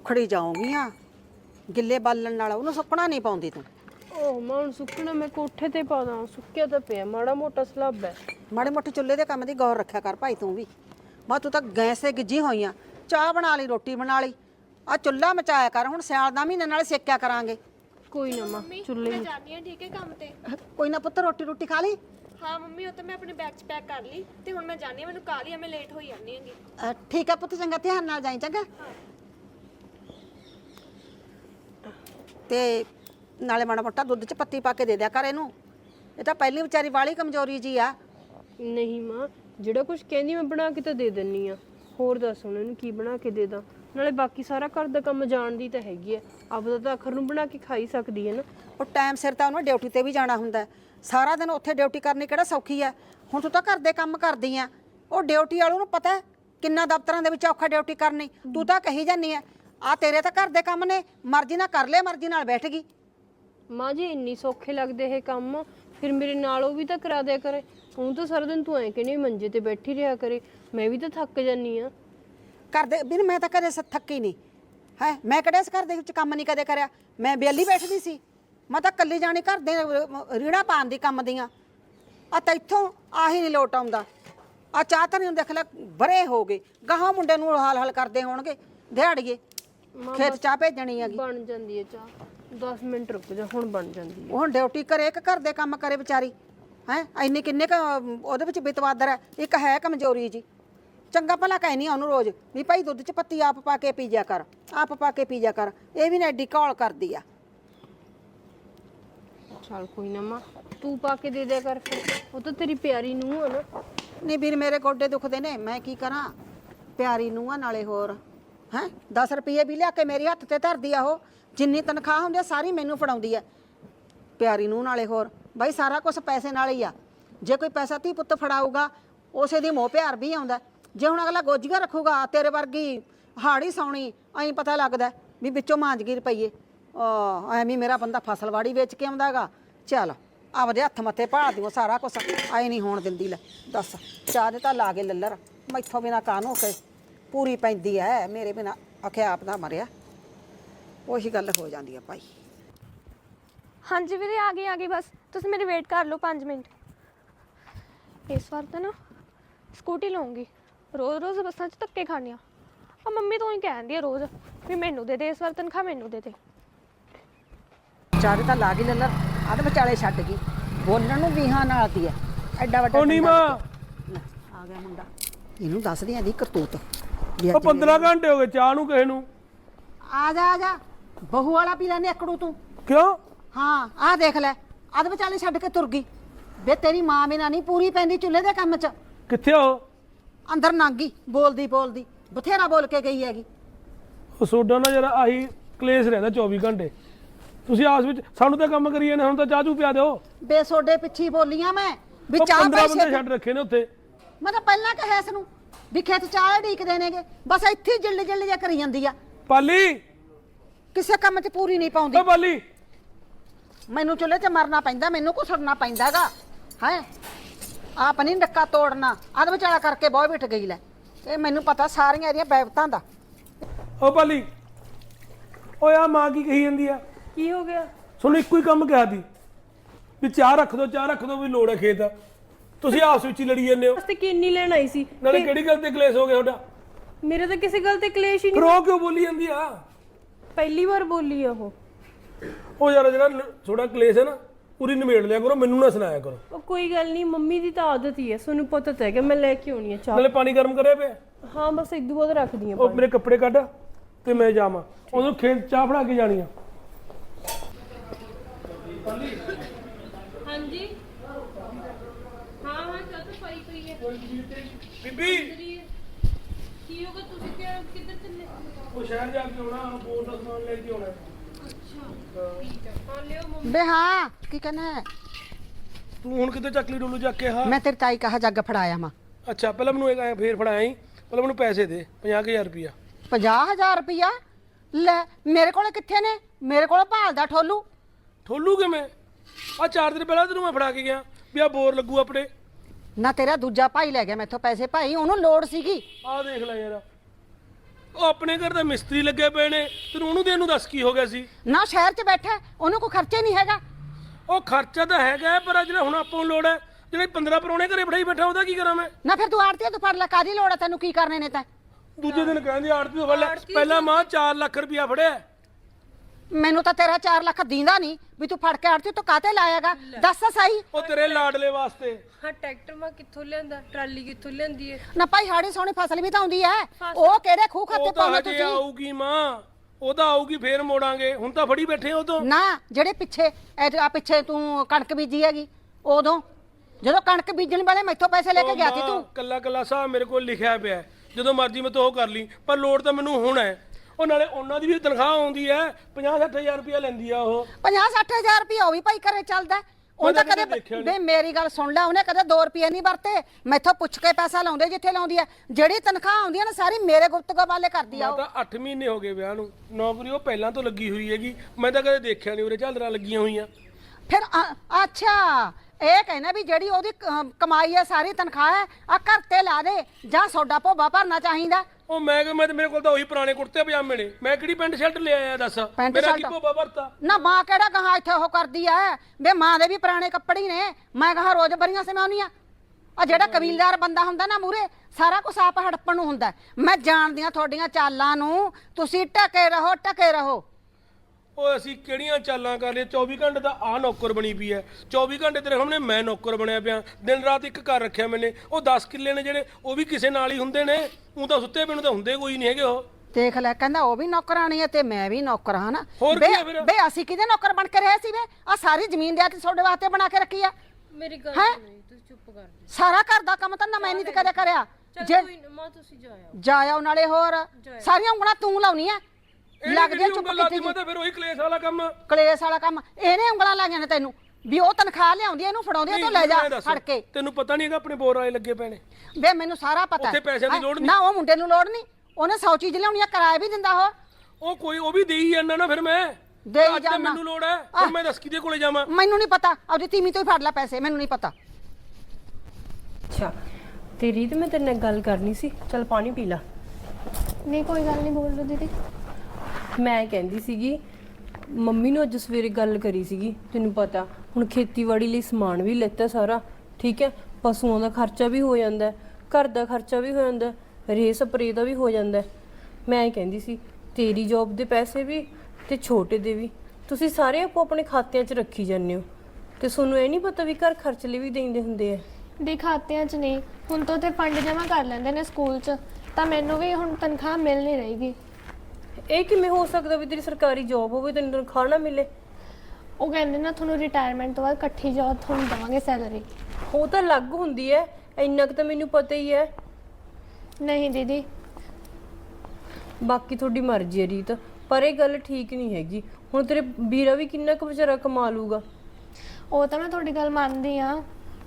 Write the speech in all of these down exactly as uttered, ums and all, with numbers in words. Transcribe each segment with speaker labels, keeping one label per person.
Speaker 1: ਸੁੱਖੜੀ ਜਾਉਂਗੀਆਂ ਗਿੱਲੇ ਬਾਲਣ ਨਾਲ ਉਹਨੂੰ ਸੁੱਕਣਾ ਨਹੀਂ ਪਾਉਂਦੀ ਤੂੰ।
Speaker 2: ਉਹ ਮਾਂ ਹੁਣ ਸੁੱਕਣਾ ਮੈਂ ਕੋਠੇ ਤੇ ਪਾ ਦਾਂ, ਸੁੱਕਿਆ ਤਾਂ ਪਿਆ ਮਾੜਾ ਮੋਟਾ ਸਲੱਬ ਹੈ।
Speaker 1: ਮਾੜੇ ਮੋਟੇ ਚੁੱਲ੍ਹੇ ਦੇ ਕੰਮ ਦੀ ਗੌਰ ਰੱਖਿਆ ਕਰ ਭਾਈ ਤੂੰ ਵੀ। ਮੈਂ ਤੂੰ ਤਾਂ ਗੈਸ ਤੇ ਗਿੱਜੀ ਹੋਈਆਂ, ਚਾਹ ਬਣਾ ਲਈ ਰੋਟੀ ਬਣਾ ਲਈ, ਆ ਚੁੱਲ੍ਹਾ ਮਚਾਇਆ ਕਰ। ਹੁਣ ਸਿਆਲ ਦਾ ਮਹੀਨੇ ਨਾਲ ਸੇਕਿਆ ਕਰਾਂਗੇ।
Speaker 2: ਕੋਈ ਨਾ ਮਾਂ ਚੁੱਲ੍ਹੇ
Speaker 3: ਮੈਂ ਜਾਣੀ ਆ ਠੀਕ ਹੈ ਕੰਮ ਤੇ।
Speaker 1: ਕੋਈ ਨਾ ਪੁੱਤ ਰੋਟੀ ਰੋਟੀ ਖਾ ਲਈ।
Speaker 3: ਹਾਂ ਮੰਮੀ ਉਹ ਤਾਂ ਮੈਂ ਆਪਣੇ ਬੈਗ 'ਚ ਪੈਕ ਕਰ ਲਈ ਤੇ ਹੁਣ ਮੈਂ ਜਾਣੀ ਆ, ਮੈਨੂੰ ਕਾਹਲੀ ਆ, ਮੈਂ ਲੇਟ ਹੋਈ ਜਾਂਦੀ ਹੈਗੀ।
Speaker 1: ਅ, ਠੀਕ ਹੈ ਪੁੱਤ, ਚੰਗਾ ਧਿਆਨ ਨਾਲ ਜਾਈ ਚੰਗਾ। ਤੇ ਨਾਲੇ ਮਾੜਾ ਮੋਟਾ ਦੁੱਧ 'ਚ ਪੱਤੀ ਪਾ ਕੇ ਦੇ ਦਿਆ ਕਰ ਇਹਨੂੰ। ਇਹ ਤਾਂ ਪਹਿਲੀ ਵਿਚਾਰੀ ਵਾਲੀ ਕਮਜ਼ੋਰੀ ਜੀ ਆ।
Speaker 2: ਨਹੀਂ ਮਾਂ ਜਿਹੜਾ ਕੁਝ ਕਹਿੰਦੀ ਮੈਂ ਬਣਾ ਕੇ ਤਾਂ ਦੇ ਦਿੰਨੀ ਆ। ਹੋਰ ਦੱਸ ਹੁਣ ਇਹਨੂੰ ਕੀ ਬਣਾ ਕੇ ਦੇ ਦਾਂ? ਨਾਲੇ ਬਾਕੀ ਸਾਰਾ ਘਰ ਦਾ ਕੰਮ ਜਾਣਦੀ ਤਾਂ ਹੈਗੀ ਆ, ਆਪਦਾ ਤਾਂ ਆਖਰ ਨੂੰ ਬਣਾ ਕੇ ਖਾਈ ਸਕਦੀ ਹੈ ਨਾ।
Speaker 1: ਉਹ ਟਾਈਮ ਸਿਰ ਤਾਂ ਉਹਨੂੰ ਡਿਊਟੀ ਤੇ ਵੀ ਜਾਣਾ ਹੁੰਦਾ ਹੈ। ਸਾਰਾ ਦਿਨ ਉੱਥੇ ਡਿਊਟੀ ਕਰਨੀ ਕਿਹੜਾ ਸੌਖੀ ਆ। ਹੁਣ ਤੂੰ ਤਾਂ ਘਰ ਦੇ ਕੰਮ ਕਰਦੀ ਆ, ਉਹ ਡਿਊਟੀ ਵਾਲੇ ਨੂੰ ਪਤਾ ਕਿੰਨਾ ਦਫ਼ਤਰਾਂ ਦੇ ਵਿੱਚ ਔਖਾ ਡਿਊਟੀ ਕਰਨੀ। ਤੂੰ ਤਾਂ ਕਹੀ ਜਾਂਦੀ ਆ ਆ ਤੇਰੇ ਤਾਂ ਘਰ ਦੇ ਕੰਮ ਨੇ, ਮਰਜ਼ੀ ਨਾਲ ਕਰ ਲਿਆ, ਮਰਜ਼ੀ ਨਾਲ ਬੈਠ ਗਈ।
Speaker 2: ਮਾਂ ਜੀ ਇੰਨੀ ਸੌਖੇ ਲੱਗਦੇ ਇਹ ਕੰਮ, ਫਿਰ ਮੇਰੇ ਨਾਲ ਉਹ ਵੀ ਤਾਂ ਕਰਾ ਦਿਆ ਕਰੇ। ਹੁਣ ਤਾਂ ਸਾਰਾ ਦਿਨ ਤੂੰ ਐਂ ਕਹਿੰਦੀ ਮੰਜੇ ਤੇ ਬੈਠੀ ਰਿਹਾ ਕਰੇ, ਮੈਂ ਵੀ ਤਾਂ ਥੱਕ ਜਾਨੀ ਆ।
Speaker 1: ਕਰਦੇ ਵੀ ਮੈਂ ਤਾਂ ਕਦੇ ਸ ਥੱਕੀ ਨਹੀਂ ਹੈ। ਮੈਂ ਕਿਹੜੇ ਇਸ ਘਰ ਦੇ ਵਿੱਚ ਕੰਮ ਨਹੀਂ ਕਦੇ ਕਰਿਆ। ਮੈਂ ਬੇਲੀ ਬੈਠਦੀ ਸੀ, ਮੈਂ ਤਾਂ ਕੱਲੀ ਜਾਣੀ ਘਰ ਦੇ ਰੀੜਾ ਪਾਉਣ ਦੀ ਕੰਮ ਦੀਆਂ। ਆ ਤਾਂ ਇੱਥੋਂ ਆਹੀ ਨਹੀਂ ਲੋਟ ਆਉਂਦਾ। ਆ ਚਾਹ ਤਾਂ ਨਹੀਂ ਦੇਖ ਲੈ ਬਰੇ ਹੋ ਗਏ, ਗਾਹਾਂ ਮੁੰਡੇ ਨੂੰ ਹਾਲ ਹਾਲ ਕਰਦੇ ਹੋਣਗੇ ਦਿਹਾੜੀਏ। ਖੇਤ ਚਾਹ ਭੇਜਣੀ ਹੈਗੀ।
Speaker 2: ਬਣ ਜਾਂਦੀ ਹੈ ਚਾਹ, ਦਸ ਮਿੰਟ ਰੁਕ ਜਾ, ਹੁਣ ਬਣ ਜਾਂਦੀ ਹੈ।
Speaker 1: ਉਹ ਹੁਣ ਡਿਊਟੀ ਕਰੇ ਇੱਕ ਘਰ ਦੇ ਕੰਮ ਕਰੇ ਵਿਚਾਰੀ ਹੈ। ਇੰਨੀ ਕਿੰਨੇ ਕੁ ਉਹਦੇ ਵਿੱਚ ਬਿਤਵਾਦਰ ਹੈ। ਇੱਕ ਹੈ ਕਮਜ਼ੋਰੀ ਜੀ। ਚੰਗਾ ਭਲਾ ਕਹਿ ਨਹੀਂ ਉਹਨੂੰ ਰੋਜ਼ ਵੀ ਭਾਈ ਦੁੱਧ 'ਚ ਪੱਤੀ ਆਪ ਪਾ ਕੇ ਪੀ ਜਾ ਕਰ, ਆਪ ਪਾ ਕੇ ਪੀ ਜਾ ਕਰ। ਇਹ ਵੀ ਨਾ ਐਡੀ ਘੋਲ ਕਰਦੀ ਆ।
Speaker 2: ਚੱਲ ਕੋਈ ਨਾ ਮਾਂ ਤੂੰ ਪਾ ਕੇ ਦੇ ਦਿਆ ਕਰ, ਫਿਰ ਉਹ ਤਾਂ ਤੇਰੀ ਪਿਆਰੀ ਨੂੰਹ ਆ ਨਾ।
Speaker 1: ਨਹੀਂ ਵੀਰ ਮੇਰੇ ਗੋਡੇ ਦੁਖਦੇ ਨੇ, ਮੈਂ ਕੀ ਕਰਾਂ। ਪਿਆਰੀ ਨੂੰਹ ਆ ਨਾਲੇ ਹੋਰ ਹੈ। ਦਸ ਰੁਪਏ ਵੀ ਲਿਆ ਕੇ ਮੇਰੇ ਹੱਥ ਤੇ ਧਰਦੀ ਆ। ਉਹ ਜਿੰਨੀ ਤਨਖਾਹ ਹੁੰਦੀ ਆ ਸਾਰੀ ਮੈਨੂੰ ਫੜਾਉਂਦੀ ਆ। ਪਿਆਰੀ ਨੂੰਹ ਨਾਲੇ ਹੋਰ ਬਾਈ ਸਾਰਾ ਕੁਝ ਪੈਸੇ ਨਾਲ ਹੀ ਆ। ਜੇ ਕੋਈ ਪੈਸਾ ਧੀ ਪੁੱਤ ਫੜਾਊਗਾ ਉਸੇ ਦੀ ਮੋਹ ਪਿਆਰ ਵੀ ਆਉਂਦਾ। ਜੇ ਹੁਣ ਅਗਲਾ ਗੋਜੀਆਂ ਰੱਖੂਗਾ ਤੇਰੇ ਵਰਗੀ ਹਾੜੀ ਸੌਣੀ, ਐਂ ਪਤਾ ਲੱਗਦਾ ਵੀ ਵਿੱਚੋਂ ਮਾਂਜਗੀ ਰੁਪਈਏ। ਐਵੇਂ ਮੇਰਾ ਬੰਦਾ ਫਸਲਵਾੜੀ ਵੇਚ ਕੇ ਆਉਂਦਾਗਾ। ਚੱਲ ਆਪਦੇ ਹੱਥ ਮੱਥੇ ਭਾਲ ਦਿਓ ਸਾਰਾ ਕੁਛ, ਆਏ ਨਹੀਂ ਹੋਣ ਦਿੰਦੀ। ਲੈ ਦੱਸ ਚਾਹ ਦੇ ਤਾਂ ਲਾ ਕੇ ਲੱਲਰ, ਮੈਥੋਂ ਬਿਨਾਂ ਕਾਹਨੂੰ ਕੇ ਪੂਰੀ ਪੈਂਦੀ ਐ। ਮੇਰੇ ਬਿਨਾਂ ਆਖਿਆ ਆਪ ਦਾ ਮਰਿਆ, ਉਹੀ ਗੱਲ ਹੋ ਜਾਂਦੀ ਆ ਭਾਈ।
Speaker 3: ਹਾਂਜੀ ਵੀਰੇ ਆ ਗਈ ਆ ਗਈ, ਬਸ ਤੁਸੀਂ ਮੇਰੀ ਵੇਟ ਕਰ ਲਓ ਪੰਜ ਮਿੰਟ। ਇਸ ਵਾਰ ਤਾਂ ਨਾ ਸਕੂਟੀ ਲਵਾਂਗੀ, ਰੋਜ਼ ਰੋਜ਼ ਬੱਸਾਂ 'ਚ ਧੱਕੇ ਖਾਣੇ ਆ। ਆ ਮੰਮੀ ਤੋਂ ਹੀ ਕਹਿੰਦੀ ਆ ਰੋਜ਼ ਵੀ ਮੈਨੂੰ ਦੇ ਦੇ, ਇਸ ਵਾਰ ਤਨਖਾਹ ਮੈਨੂੰ ਦੇ ਦੇ।
Speaker 1: ਚਾਹ ਦੇ ਤਾਂ ਲਾ ਗਈ ਲੱਲਰ, ਆਹ ਵਿਚਾਲੇ ਛੱਡ ਗਈ। ਬੋਲਣ ਨੂੰ ਵੀਹਾਂ ਨਾਲ ਦੀ ਐ। ਐਡਾ ਵੱਡਾ
Speaker 4: ਉਹ ਨੀਮਾ
Speaker 1: ਆ ਗਿਆ ਮੁੰਡਾ, ਇਹਨੂੰ ਦੱਸਦੀ ਆਂ ਦੀ ਕਰਤੂਤ।
Speaker 4: ਉਹ ਪੰਦਰਾਂ ਘੰਟੇ ਹੋ ਗਏ ਚਾਹ ਨੂੰ ਕਿਸੇ ਨੂੰ।
Speaker 1: ਆ ਜਾ ਆ ਜਾ, ਬਹੂ ਵਾਲਾ ਪੀ ਲੈਨੇ ਅਕੜੂ ਤੂੰ।
Speaker 4: ਕਿਉਂ?
Speaker 1: ਹਾਂ ਆਹ ਦੇਖ ਲੈ, ਆਦ ਵਿਚਾਲੇ ਛੱਡ ਕੇ ਤੁਰ ਗਈ। ਵੇ ਤੇਰੀ ਮਾਂ ਬਿਨਾਂ ਨਹੀਂ ਪੂਰੀ ਪੈਂਦੀ ਚੁੱਲ੍ਹੇ ਦੇ ਕੰਮ 'ਚ।
Speaker 4: ਕਿੱਥੇ ਉਹ?
Speaker 1: ਅੰਦਰ ਨਾਂਗੀ ਬੋਲਦੀ ਬੋਲਦੀ ਬਥੇਰਾ ਬੋਲ ਕੇ ਗਈ ਹੈਗੀ।
Speaker 4: ਉਹ ਸੋਡਾ ਨਾ ਜਰਾ ਆਹੀ ਕਲੇਸ਼ ਰਹਿੰਦਾ ਚੌਵੀ ਘੰਟੇ। ਤੁਸੀਂ ਆਸ ਵਿੱਚ ਸਾਨੂੰ ਤਾਂ ਕੰਮ ਕਰੀ ਜਾਂਦੇ, ਹੁਣ ਤਾਂ ਚਾਹ ਚੂ ਪਿਆ ਦਿਓ।
Speaker 1: ਬੇ ਸੋਡੇ ਪਿੱਛੇ ਬੋਲੀਆਂ ਮੈਂ ਵੀ
Speaker 4: ਉਹ
Speaker 1: ਚਾਹ
Speaker 4: ਪੰਦਰਾਂ ਬੰਦੇ
Speaker 1: ਪੈਸੇ।
Speaker 4: ਛੱਡ ਰੱਖੇ ਨੇ ਉੱਥੇ।
Speaker 1: ਮੈਂ ਤਾਂ ਪਹਿਲਾਂ ਕਿਹਾ ਇਸ ਨੂੰ ਵੀ ਖੇਤ ਚਾਹ ਢੀਕਦੇ ਨੇਗੇ, ਬਸ ਇੱਥੇ ਜਿੱਲ ਜਿੱਲ ਜਿਹਾ ਕਰੀ ਜਾਂਦੀ ਆ।
Speaker 4: ਪਾਲੀ
Speaker 1: ਕਿਸੇ ਕੰਮ 'ਚ ਪੂਰੀ ਨਹੀਂ ਪਾਉਂਦੀ।
Speaker 4: ਉਹ ਪਾਲੀ
Speaker 1: ਮੈਨੂੰ ਚੁੱਲ੍ਹੇ 'ਚ ਮਰਨਾ ਪੈਂਦਾ, ਮੈਨੂੰ ਘੁਸੜਨਾ ਪੈਂਦਾਗਾ ਹੈ। ਆਪ ਨਹੀਂ ਡੱਕਾ ਤੋੜਨਾ, ਆਦ ਵਿਚਾਲਾ ਕਰਕੇ ਬਹੁਤ ਬਿਠ ਗਈ। ਲੈ ਇਹ ਮੈਨੂੰ ਪਤਾ ਸਾਰੀਆਂ ਇਹਦੀਆਂ ਬੈਬਤਾਂ ਦਾ।
Speaker 4: ਉਹ ਪਾਲੀ ਓਏ ਆ ਮਾਂ ਕੀ ਕਹੀ ਜਾਂਦੀ ਆ?
Speaker 2: ਕੀ ਹੋ ਗਿਆ?
Speaker 4: ਤੁਹਾਨੂੰ ਇੱਕੋ ਹੀ ਕੰਮ ਕਿਹਾ ਸੀ ਵੀ ਚਾਹ ਰੱਖ ਦੋ, ਚਾਹ ਰੱਖ ਦੋ, ਵੀ ਲੋੜ ਹੈ ਖੇਤ। ਤੁਸੀਂ ਆਪਸ ਵਿੱਚ ਹੀ ਲੜੀ ਜਾਂਦੇ ਹੋ।
Speaker 2: ਤੇ ਕਿੰਨੀ ਲੈਣ ਆਈ ਸੀ?
Speaker 4: ਨਾਲੇ ਕਿਹੜੀ ਗੱਲ ਤੇ ਕਲੇਸ਼ ਹੋ ਗਿਆ ਤੁਹਾਡਾ?
Speaker 2: ਮੇਰੇ ਤਾਂ ਕਿਸੇ ਗੱਲ ਤੇ ਕਲੇਸ਼ ਹੀ
Speaker 4: ਫਿਰ
Speaker 2: ਨਹੀਂ।
Speaker 4: ਉਹ ਕਿਉਂ ਬੋਲੀ ਜਾਂਦੀ ਆ?
Speaker 2: ਪਹਿਲੀ ਵਾਰ ਬੋਲੀ ਆ ਉਹ।
Speaker 4: ਉਹ ਯਾਰ ਜਿਹੜਾ ਥੋੜਾ ਕਲੇਸ਼ ਹੈ ਨਾ ਪੂਰੀ ਨਿਬੇੜ ਲਿਆ ਕਰੋ, ਮੈਨੂੰ ਨਾ ਸੁਣਾਇਆ ਕਰੋ।
Speaker 2: ਉਹ ਕੋਈ ਗੱਲ ਨਹੀਂ, ਮੰਮੀ ਦੀ ਤਾਂ ਆਦਤ ਹੀ ਹੈ, ਤੁਹਾਨੂੰ ਪਤਾ ਤਾਂ ਹੈ ਕਿ ਮੈਂ ਲੈ ਕੇ ਆਉਣੀ ਹੈ ਚਾਹ।
Speaker 4: ਨਾਲੇ ਪਾਣੀ ਗਰਮ ਕਰਿਆ ਪਿਆ।
Speaker 2: ਹਾਂ ਬਸ ਇੱਕ ਦੋ ਬਾਅਦ ਰੱਖਦੀ ਆ।
Speaker 4: ਉਹ ਮੇਰੇ ਕੱਪੜੇ ਕੱਢ ਤੇ ਮੈਂ ਜਾਵਾਂ, ਉਹਨੂੰ ਖੇਤ ਚਾਹ ਫੜਾ ਕੇ ਜਾਣੀ ਆ।
Speaker 2: ਹਾਂਜੀ ਹਾਂ ਹਾਂ ਚਾਹ ਤਾਂ ਪਾਈ ਪਈ ਹੈ।
Speaker 4: ਬੀਬੀ
Speaker 2: ਕੀ ਹੋਗਾ? ਤੁਸੀਂ ਕਿਹਾ ਕਿੱਧਰ ਚੱਲੇ?
Speaker 4: ਉਹ ਸ਼ਹਿਰ ਜਾ ਕੇ ਆਉਣਾ, ਬੋਰ ਦਾ ਸਮਾਨ ਲੈ ਕੇ ਆਉਣਾ।
Speaker 2: ਅੱਛਾ ਠੀਕ ਹੈ, ਹਾਂ ਲਿਓ ਮੰਮੀ।
Speaker 1: ਬੇ ਹਾਂ ਕੀ ਕਹਿਣਾ?
Speaker 4: ਤੂੰ ਹੁਣ ਕਿੱਥੇ ਚੱਕਲੀ ਡੋਲੂ ਚੱਕ ਕੇ? ਹਾਂ
Speaker 1: ਮੈਂ ਤੇਰੀ ਤਾਈ ਕਹਾ ਜੱਗ ਫੜਾਇਆ ਮਾਂ।
Speaker 4: ਅੱਛਾ ਪਹਿਲਾਂ ਮੈਨੂੰ ਇਹ ਫੇਰ ਫੜਾਇਆ ਹੀ, ਪਹਿਲਾਂ ਮੈਨੂੰ ਪੈਸੇ ਦੇ ਪੰਜਾਹ ਕੁ ਹਜ਼ਾਰ ਰੁਪਇਆ।
Speaker 1: ਪੰਜਾਹ ਹਜ਼ਾਰ ਰੁਪਈਆ? ਲੈ ਮੇਰੇ ਕੋਲ ਕਿੱਥੇ ਨੇ? ਮੇਰੇ ਕੋਲ ਭਾਲਦਾ ਠੋਲੂ।
Speaker 4: ਠੋਲੂ ਕਿਵੇਂ? ਆ ਚਾਰ ਦਿਨ ਪਹਿਲਾਂ ਤੈਨੂੰ ਮੈਂ ਫੜਾ ਕੇ ਗਿਆ ਵੀ ਆ ਬੋਰ ਲੱਗੂ ਆਪਣੇ।
Speaker 1: ਨਾ ਤੇਰਾ ਦੂਜਾ ਭਾਈ ਲੈ ਗਿਆ ਮੈਥੋਂ ਪੈਸੇ। ਭਾਈ ਉਹਨੂੰ ਲੋੜ ਸੀਗੀ।
Speaker 4: ਆਹ ਦੇਖ ਲੈ ਯਾਰ, ਉਹ ਆਪਣੇ ਘਰ ਦਾ ਮਿਸਤਰੀ ਲੱਗੇ ਪਏ ਨੇ, ਤੈਨੂੰ ਉਹਨੂੰ ਦੇਣ ਨੂੰ ਦੱਸ ਕੀ ਹੋ ਗਿਆ ਸੀ?
Speaker 1: ਨਾ ਸ਼ਹਿਰ 'ਚ ਬੈਠਾ ਹੈ, ਉਹਨੂੰ ਕੋਈ ਖਰਚਾ ਹੀ ਨਹੀਂ ਹੈਗਾ।
Speaker 4: ਉਹ ਖਰਚਾ ਤਾਂ ਹੈਗਾ ਹੈ, ਪਰ ਜਿਹੜਾ ਹੁਣ ਆਪਾਂ ਨੂੰ ਲੋੜ ਹੈ, ਜਿਹੜੇ ਪੰਦਰਾਂ ਪਰੌਣੇ ਘਰੇ ਬਿਠਾਈ ਬੈਠਾ ਉਹਦਾ ਕੀ ਕਰਾਂ ਮੈਂ?
Speaker 1: ਨਾ ਫਿਰ ਤੂੰ ਆੜਤੀ ਤੂੰ ਫੜ ਲੈ, ਕਾਹਦੀ ਲੋੜ ਹੈ ਤੈਨੂੰ, ਕੀ ਕਰਨੇ ਨੇ ਤੈਂ?
Speaker 4: ਦੂਜੇ ਦਿਨ ਕਹਿੰਦੀ ਆੜਤੀ ਤੋਂ ਫੜ ਲੈ, ਪਹਿਲਾਂ ਮਾਂ ਚਾਰ ਲੱਖ ਰੁਪਇਆ ਫੜਿਆ।
Speaker 1: ਮੈਨੂੰ ਤਾਂ ਤੇਰਾ ਚਾਰ ਲੱਖ ਦੀਂਦਾ ਨਹੀਂ ਵੀ ਤੂੰ ਫੜ ਕੇ ਆੜਤੀ ਤੋਂ ਕਾਤੇ ਲਾਏਗਾ, ਦੱਸ ਤਾਂ ਸਹੀ।
Speaker 4: ਉਹ ਤੇਰੇ ਲਾਡਲੇ ਵਾਸਤੇ।
Speaker 2: ਹਾਂ ਟਰੈਕਟਰ ਮੈਂ ਕਿੱਥੋਂ ਲਿਆਂਦਾ, ਟਰਾਲੀ ਕਿੱਥੋਂ ਲਿਆਂਦੀ ਹੈ?
Speaker 1: ਨਾ ਭਾਈ ਹਾੜੀ ਸੋਹਣੀ ਫਸਲ ਵੀ ਤਾਂ ਆਉਂਦੀ ਹੈ, ਉਹ ਕਿਹੜੇ ਖੂਹ ਖਾਤੇ
Speaker 4: ਉਹ ਤਾਂ
Speaker 1: ਪਾਉਂਦੇ
Speaker 4: ਹਜੇ
Speaker 1: ਤੁਸੀਂ?
Speaker 4: ਆਊਗੀ ਮਾਂ, ਉਹਦਾ ਆਊਗੀ ਫੇਰ ਮੋੜਾਂਗੇ, ਹੁਣ ਤਾਂ ਫੜੀ ਬੈਠੇ ਉਹ ਤੋਂ।
Speaker 1: ਨਾ ਜਿਹੜੇ ਪਿੱਛੇ ਆ ਪਿੱਛੇ ਤੂੰ ਕਣਕ ਬੀਜੀ ਹੈਗੀ, ਉਦੋਂ ਜਦੋਂ ਕਣਕ ਬੀਜਣ ਵਾਲੇ ਮੈਥੋਂ ਪੈਸੇ ਲੈ ਕੇ ਗਿਆ ਸੀ ਤੂੰ।
Speaker 4: ਕੱਲਾ ਕੱਲਾ ਹਿਸਾਬ ਮੇਰੇ ਕੋਲ ਲਿਖਿਆ ਪਿਆ, ਜਦੋਂ ਮਰਜ਼ੀ ਮੈਂ ਤੋਂ ਉਹ ਕਰ ਲਈ, ਪਰ ਲੋੜ ਤਾਂ ਮੈਨੂੰ ਹੁਣ ਹੈ। ਉਹ ਨਾਲੇ ਉਹਨਾਂ ਦੀ ਵੀ ਤਨਖਾਹ ਆਉਂਦੀ ਹੈ, ਪੰਜਾਹ ਸੱਠ ਹਜ਼ਾਰ ਰੁਪਇਆ ਲੈਂਦੀ ਆ ਉਹ।
Speaker 1: ਪੰਜਾਹ ਸੱਠ ਹਜ਼ਾਰ ਰੁਪਇਆ ਉਹ ਵੀ ਭਾਈ ਘਰੇ ਚੱਲਦਾ। ਉਹ ਤਾਂ ਕਦੇ ਵੇ ਮੇਰੀ ਗੱਲ ਸੁਣ ਲੈ, ਉਹਨੇ ਕਦੇ ਦੋ ਰੁਪਏ ਨਹੀਂ ਵਰਤੇ, ਮੈਥੋਂ ਪੁੱਛ ਕੇ ਪੈਸਾ ਲਾਉਂਦੇ ਜਿੱਥੇ ਲਾਉਂਦੀ ਹੈ। ਜਿਹੜੀ ਤਨਖਾਹ ਆਉਂਦੀ ਹੈ ਨਾ ਸਾਰੀ ਮੇਰੇ ਗੁਪਤਗੋ ਵਾਲੇ ਕਰਦੀ ਆ ਉਹ।
Speaker 4: ਤਾਂ ਅੱਠ ਮਹੀਨੇ ਹੋ ਗਏ ਵਿਆਹ ਨੂੰ, ਨੌਕਰੀ ਉਹ ਪਹਿਲਾਂ ਤੋਂ ਲੱਗੀ ਹੋਈ ਹੈਗੀ, ਮੈਂ ਤਾਂ ਕਦੇ ਦੇਖਿਆ ਨਹੀਂ ਉਰੇ ਝਾਲਰਾਂ ਲੱਗੀਆਂ ਹੋਈਆਂ।
Speaker 1: ਫਿਰ ਅ- ਅੱਛਾ ਇਹ ਕਹਿਣਾ ਵੀ ਜਿਹੜੀ ਉਹਦੀ ਕ- ਕਮਾਈ ਹੈ ਸਾਰੀ ਤਨਖਾਹ ਹੈ ਆ ਘਰ ਤੇ ਲਾ ਦੇ, ਜਾਂ ਸੋਡਾ ਭੋਬਾ ਭਰਨਾ ਚਾਹੀਦਾ।
Speaker 4: ਉਹ ਮੈਂ ਕਿ ਮੈਂ ਤੇ ਮੇਰੇ ਕੋਲ ਤਾਂ ਉਹੀ ਪੁਰਾਣੇ ਕੁੜਤੇ ਪਜਾਮੇ ਨੇ, ਮੈਂ ਕਿਹੜੀ ਪੈਂਟ ਸ਼ਰਟ ਲੈ ਆਇਆ ਦੱਸ?
Speaker 1: ਪੈਂਟ
Speaker 4: ਮੇਰਾ ਕੀ
Speaker 1: ਸ਼ਰਟ?
Speaker 4: ਭੋਬਾ ਭਰਤਾ?
Speaker 1: ਨਾ ਮਾਂ ਕਿਹੜਾ ਕਹਾ ਇੱਥੇ ਉਹ ਕਰਦੀ ਐ ਵੇ, ਮਾਂ ਦੇ ਵੀ ਪੁਰਾਣੇ ਕੱਪੜੇ ਹੀ ਨੇ, ਮੈਂ ਕਹਾ ਰੋਜ਼ ਬਰੀਆਂ ਸਮਾਉਣੀ ਆ। ਆ ਜਿਹੜਾ ਕਬੀਲਦਾਰ ਬੰਦਾ ਹੁੰਦਾ ਨਾ ਮੂਰੇ, ਸਾਰਾ ਕੁਝ ਆਪ ਹੜੱਪਣ ਨੂੰ ਹੁੰਦਾ। ਮੈਂ ਜਾਣਦੀ ਆ ਤੁਹਾਡੀਆਂ ਚਾਲਾਂ ਨੂੰ, ਤੁਸੀਂ ਟਕੇ ਰਹੋ ਟਕੇ ਰਹੋ।
Speaker 4: ਉਹ ਅਸੀਂ ਕਿਹੜੀਆਂ ਚਾਲਾਂ ਕਰ ਲਈਆਂ? ਚੌਵੀ ਘੰਟੇ ਤਾਂ ਆ ਨੌਕਰ ਬਣੀ ਪਈ ਐ, ਚੌਵੀ ਘੰਟੇ ਤੇਰੇ ਸਾਹਮਣੇ ਮੈਂ ਨੌਕਰ ਬਣਿਆ ਪਿਆ, ਦਿਨ ਰਾਤ ਇੱਕ ਘਰ ਰੱਖਿਆ ਮੈਨੇ। ਉਹ ਦਸ ਕਿੱਲੇ ਨੇ ਜਿਹੜੇ, ਉਹ ਵੀ ਕਿਸੇ ਨਾਲ ਹੀ ਹੁੰਦੇ ਨੇ, ਉਹ ਤਾਂ ਸੁੱਤੇ ਪਏ ਨੂੰ ਤਾਂ ਹੁੰਦੇ ਕੋਈ ਨਹੀਂ ਹੈਗੇ ਉਹ।
Speaker 1: ਦੇਖ ਲੈ, ਕਹਿੰਦਾ ਉਹ ਵੀ ਨੌਕਰਾਣੀ ਹੈ ਤੇ ਮੈਂ ਵੀ ਨੌਕਰ ਹਾਂ ਨਾ।
Speaker 4: ਹੋਰ
Speaker 1: ਬੇ
Speaker 4: ਕੀ ਹੈ ਫਿਰ?
Speaker 1: ਬੇ ਅਸੀਂ ਕਿਹਦੇ ਨੌਕਰ ਬਣ ਕੇ ਰਹੇ ਸੀ ਵੇ? ਆ ਸਾਰੀ ਜ਼ਮੀਨ ਦੇ ਹੱਥ ਤੁਹਾਡੇ ਵਾਸਤੇ ਬਣਾ ਕੇ ਰੱਖੀ ਆ।
Speaker 2: ਮੇਰੀ ਗੱਲ
Speaker 1: ਹੈਂ?
Speaker 2: ਨਹੀਂ, ਤੁਸੀਂ ਚੁੱਪ ਕਰ ਜਾ।
Speaker 1: ਸਾਰਾ ਘਰ ਦਾ ਕੰਮ ਤਾਂ ਨਾ ਮੈਂ ਨਹੀਂ ਤੇ ਕਰਿਆ ਕਰਿਆ।
Speaker 2: ਚੱਲ ਕੋਈ ਨਾ ਮਾਂ, ਤੁਸੀਂ ਜਾਇਓ।
Speaker 1: ਜਾਇਆ ਨਾਲੇ ਹੋਰ ਸਾਰੀਆਂ ਉਂਗਲਾਂ ਤੂੰ ਲਾਉਣੀ ਆ, ਲੱਗਦੀ ਆ ਚੁੱਪ ਕੀਤੀ
Speaker 4: ਮੈਂ ਤਾਂ ਫਿਰ ਉਹੀ ਕਲੇਸ਼ ਵਾਲਾ ਕੰਮ।
Speaker 1: ਕਲੇਸ਼ ਵਾਲਾ ਕੰਮ ਇਹਨੇ ਉਂਗਲਾਂ ਲਾਈਆਂ ਨੇ ਤੈਨੂੰ ਵੀ ਉਹ ਤਨਖਾਹ ਲਿਆਉਂਦੀ ਇਹਨੂੰ ਫੜਾਉਂਦੀ ਆ, ਤੂੰ ਲੈ ਜਾ ਫੜ ਕੇ।
Speaker 4: ਤੈਨੂੰ ਪਤਾ ਨਹੀਂ ਹੈਗਾ ਆਪਣੇ ਬੋਰ ਵਾਲੇ ਲੱਗੇ ਪਏ ਨੇ?
Speaker 1: ਵੇ ਮੈਨੂੰ ਸਾਰਾ ਪਤਾ
Speaker 4: ਉੱਥੇ ਪੈਸਿਆਂ ਦੀ ਲੋੜ ਨਹੀਂ।
Speaker 1: ਨਾ ਉਹ ਮੁੰਡੇ ਨੂੰ ਲੋੜ ਨਹੀਂ, ਉਹਨੇ ਸੌ ਚੀਜ਼ ਲਿਆਉਣੀ ਆ, ਕਿਰਾਇਆ ਵੀ ਦਿੰਦਾ ਉਹ।
Speaker 4: ਉਹ ਕੋਈ ਉਹ ਵੀ ਦੇਈ ਜਾਂਦਾ ਨਾ, ਫਿਰ ਮੈਂ
Speaker 1: ਦੇਈ
Speaker 4: ਅੱਜ ਤਾਂ
Speaker 1: ਜਾਨਾ।
Speaker 4: ਮੈਨੂੰ ਲੋੜ ਹੈ, ਫਿਰ ਮੈਂ ਦੱਸ ਕਿਹਦੇ ਕੋਲੇ ਜਾਵਾਂ?
Speaker 1: ਮੈਨੂੰ ਨਹੀਂ ਪਤਾ, ਆਪਦੀ ਤੀਵੀਂ ਤੋਂ ਹੀ ਫੜ ਲੈ ਪੈਸੇ, ਮੈਨੂੰ ਨਹੀਂ ਪਤਾ।
Speaker 2: ਅੱਛਾ ਤੇਰੀ ਤੇ ਮੈਂ ਤੇਰੇ ਨਾਲ ਗੱਲ ਕਰਨੀ ਸੀ, ਚੱਲ ਪਾਣੀ ਪੀ ਲਾ।
Speaker 3: ਨਹੀਂ ਕੋਈ ਗੱਲ ਨਹੀਂ, ਬੋਲ ਲਓ ਦੀਦੀ।
Speaker 2: ਮੈਂ ਕਹਿੰਦੀ ਸੀਗੀ ਮੰਮੀ ਨੂੰ ਅੱਜ ਸਵੇਰੇ ਗੱਲ ਕਰੀ ਸੀਗੀ, ਤੈਨੂੰ ਪਤਾ ਹੁਣ ਖੇਤੀਬਾੜੀ ਲਈ ਸਮਾਨ ਵੀ ਲੈਤਾ ਸਾਰਾ, ਠੀਕ ਹੈ, ਪਸ਼ੂਆਂ ਦਾ ਖਰਚਾ ਵੀ ਹੋ ਜਾਂਦਾ, ਘਰ ਦਾ ਖਰਚਾ ਵੀ ਹੋ ਜਾਂਦਾ, ਰੇ ਸਪਰੇ ਦਾ ਵੀ ਹੋ ਜਾਂਦਾ। ਮੈਂ ਇਹ ਕਹਿੰਦੀ ਸੀ ਤੇਰੀ ਜੌਬ ਦੇ ਪੈਸੇ ਵੀ ਤੇ ਛੋਟੇ ਦੇ ਵੀ ਤੁਸੀਂ ਸਾਰੇ ਆਪੋ ਆਪਣੇ ਖਾਤਿਆਂ 'ਚ ਰੱਖੀ ਜਾਂਦੇ ਹੋ, ਤੇ ਤੁਹਾਨੂੰ ਇਹ ਨਹੀਂ ਪਤਾ ਵੀ ਘਰ ਖਰਚ ਲਈ ਵੀ ਦੇਂਦੇ ਹੁੰਦੇ ਆ।
Speaker 3: ਦੇ ਖਾਤਿਆਂ 'ਚ ਨਹੀਂ, ਹੁਣ ਤੋਂ ਤੇ ਫੰਡ ਜਮ੍ਹਾਂ ਕਰ ਲੈਂਦੇ ਨੇ ਸਕੂਲ 'ਚ, ਤਾਂ ਮੈਨੂੰ ਵੀ ਹੁਣ ਤਨਖਾਹ ਮਿਲ ਨਹੀਂ ਰਹੀਗੀ।
Speaker 2: ਇਹ ਕਿਵੇਂ ਹੋ ਸਕਦਾ ਵੀ ਤੇਰੀ ਸਰਕਾਰੀ ਜੌਬ ਹੋਵੇ ਤੈਨੂੰ ਤਨਖਾਹ ਨਾ ਮਿਲੇ?
Speaker 3: ਉਹ ਕਹਿੰਦੇ ਨਾ ਤੁਹਾਨੂੰ ਰਿਟਾਇਰਮੈਂਟ ਤੋਂ ਬਾਅਦ ਇਕੱਠੀ ਜੌਬ ਤੁਹਾਨੂੰ ਦੇਵਾਂਗੇ ਸੈਲਰੀ।
Speaker 2: ਉਹ ਤਾਂ ਅਲੱਗ ਹੁੰਦੀ ਹੈ, ਇੰਨਾ ਕੁ ਤਾਂ ਮੈਨੂੰ ਪਤਾ ਹੀ ਹੈ।
Speaker 3: ਨਹੀਂ ਦੀਦੀ,
Speaker 2: ਬਾਕੀ ਤੁਹਾਡੀ ਮਰਜ਼ੀ ਹੈ ਰੀਤ, ਪਰ ਇਹ ਗੱਲ ਠੀਕ ਨਹੀਂ ਹੈਗੀ। ਹੁਣ ਤੇਰੇ ਵੀਰਾ ਵੀ ਕਿੰਨਾ ਕੁ ਵਿਚਾਰਾ ਕਮਾ ਲੂਗਾ।
Speaker 3: ਉਹ ਤਾਂ ਮੈਂ ਤੁਹਾਡੀ ਗੱਲ ਮੰਨਦੀ ਆ।